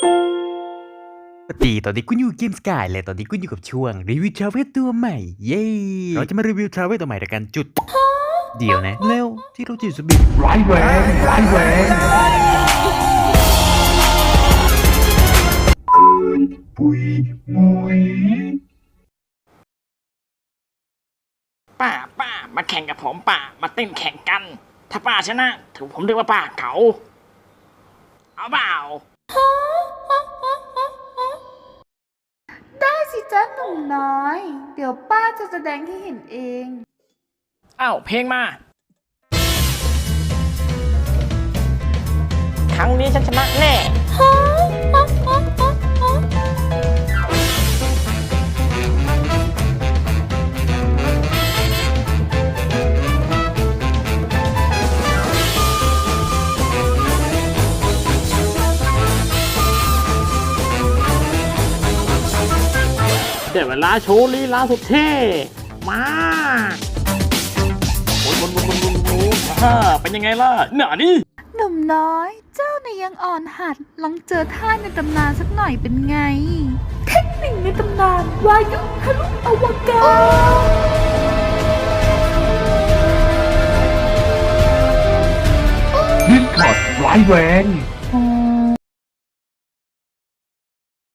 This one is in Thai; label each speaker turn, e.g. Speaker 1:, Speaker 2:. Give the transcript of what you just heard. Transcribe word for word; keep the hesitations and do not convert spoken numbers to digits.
Speaker 1: สวัสดีตอนนี้คุณอยู่เกมสกายและตอนนี้คุณอยู่กับช่วงรีวิวทราเวลตัวใหม่เย้เราจะมารีวิวทราเวลตัวใหม่ด้วยกันจุดเดียวนะแล้วที่เราจีบสบิดร้ายแรงร้ายแรงปุยมุย
Speaker 2: ป้าป้ามาแข่งกับผมป้ามาเต้นแข่งกันถ้าป้าชนะถือผมเรียกว่าป้าเขาเอาเปล่า
Speaker 3: ได้สิจ้าหนุ่มน้อย เดี๋ยวป้าจะแสดงให้เห็นเอง
Speaker 2: เอ้าเพลงมาครั้งนี้ฉันชนะแน่เดี๋ยวเวลาโชว์ลีลาสุดเท่มาบนบนบนบนบนบนฮ่าเป็นยังไงล่ะหน่านี่
Speaker 3: หนุ่มน้อย เจ้าเนี่ยยังอ่อนหัดลองเจอท่าในตำนานสักหน่อยเป็นไง เทคนิคในตำนานวายุทะลุอวกาศ
Speaker 1: ดิสคอร์ดร้ายแรง